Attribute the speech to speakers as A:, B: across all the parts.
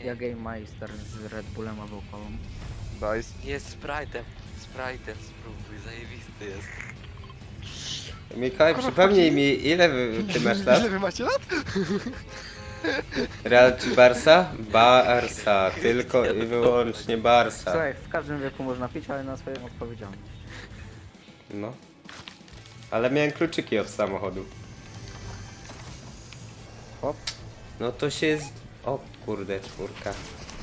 A: Ja Game Meister z Red Bullem wokoło.
B: Nice.
C: Jest Sprite'em spróbuj, zajebisty jest.
D: Mikołaj, przypomnij mi, ile ty masz lat?
B: Ile wy macie lat?
D: Real czy Barsa? Barsa, tylko i wyłącznie Barsa.
A: Słuchaj, w każdym wieku można pić, ale na swoją odpowiedzialność.
D: No. Ale miałem kluczyki od samochodu.
A: Hop.
D: No to się jest... O kurde, czwórka.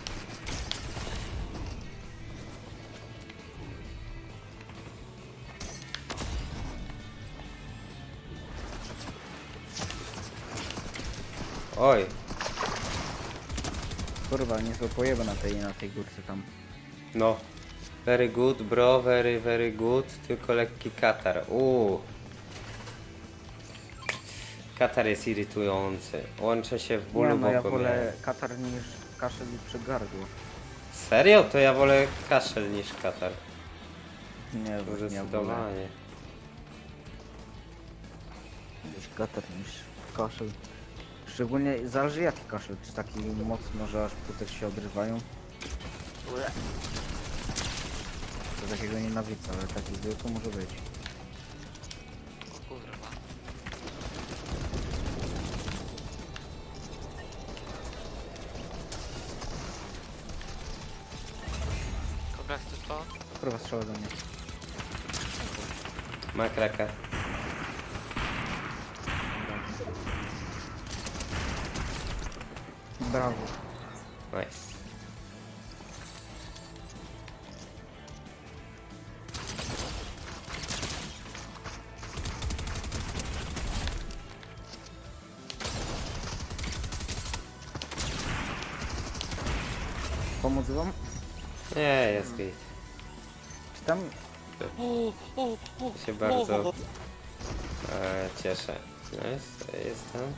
D: Oj,
A: Kurwa, niezłe pojeby na tej górce tam.
D: no. Very good, bro, very good. Tylko lekki katar. Katar jest irytujący. Łączę się w bólu,
A: Nie, no ja
D: bo go
A: wolę
D: miałem.
A: katar niż kaszel i przygardło.
D: Serio? To ja wolę kaszel niż katar.
A: Nie, bo nie wolę.
D: Zdecydowanie.
A: Niż katar niż kaszel. Szczególnie zależy jaki kaszel, czy taki mocno, że aż płutek się odrywają. To takiego nienawidzę, ale taki zwykły może być.
C: O kurwa. Koga chcesz to?
A: Kurwa strzela do mnie.
D: Ma kraka.
A: Brawo.
D: Nice.
A: Pomóc wam?
D: Nie, jest git.
A: Czy tam
D: Się bardzo cieszę. Nice, jestem.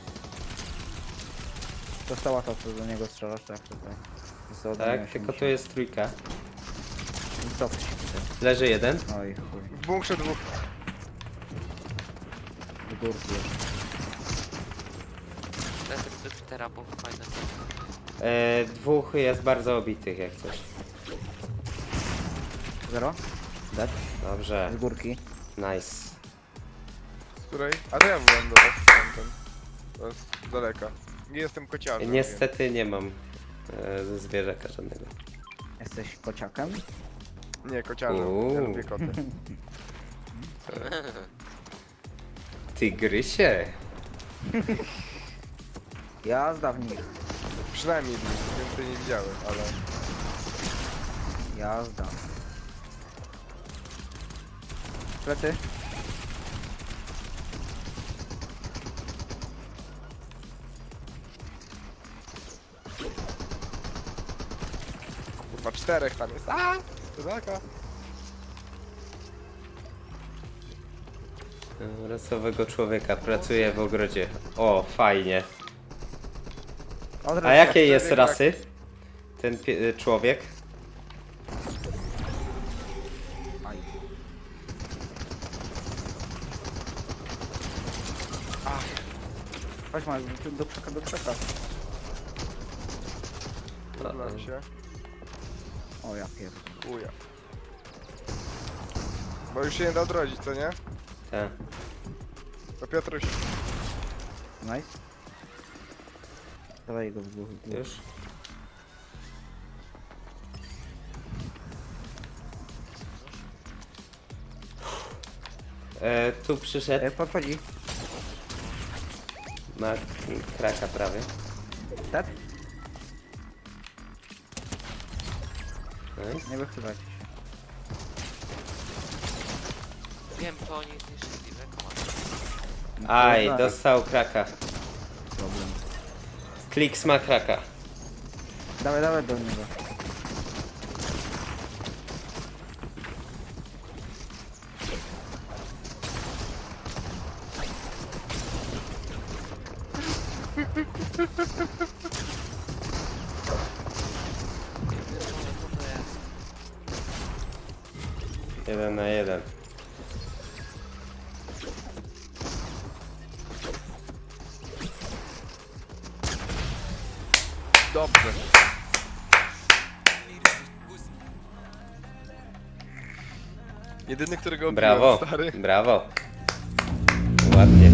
A: dostała to, co do niego strzelasz, tak tutaj. Jest ode mnie
D: Tak,
A: 80.
D: tylko tu jest trójka.
A: I cofnij się tutaj.
D: Leży jeden.
A: Oj chuj.
B: W bunkrze dwóch.
A: W górki jeszcze.
C: Lecę do Petera, bo fajne.
D: Dwóch jest bardzo obitych jak coś.
A: Zero? Dead?
D: Dobrze,
A: Z górki.
D: nice.
B: Z której? A to ja byłem do was tamten. To jest z daleka. Nie jestem kociarzem.
D: Niestety nie mam zwierzaka żadnego.
A: Jesteś kociakiem?
B: Nie, kociarzem. Ja
D: Uuu.
B: lubię koty.
D: Tygrysie.
A: Jazda w nich.
B: Przynajmniej więcej nie widziałem, ale...
A: Jazda. Plecy?
B: Kurwa, czterech tam jest. A! Z daleka.
D: Rasowego człowieka pracuje w ogrodzie. O, fajnie.
A: Od
D: A jakiej jest
B: człowiek,
D: rasy? Ten człowiek?
A: Aj. Chodź ma, do krzaka, do krzaka.
B: Podlam się.
A: O ja pierdolę.
B: Uja. Bo już się nie da odrodzić, co nie?
D: Tak.
B: To Piotruś.
A: Nice. Dawaj go w dwóch.
D: Już? Tu przyszedł.
A: Podchodzi.
D: Ma kraka prawie.
A: Dead?
D: Nice.
A: Nie wychylać.
C: Wiem, to oni zniszczyli rekomat.
D: Aj, dostał kraka.
A: Problem.
D: Kliks ma kraka.
A: Dawaj, dawaj do niego.
D: Jeden na jeden.
B: Dobrze. Jedyny, którego obiłem,
D: Brawo,
B: stary.
D: brawo. Ładnie.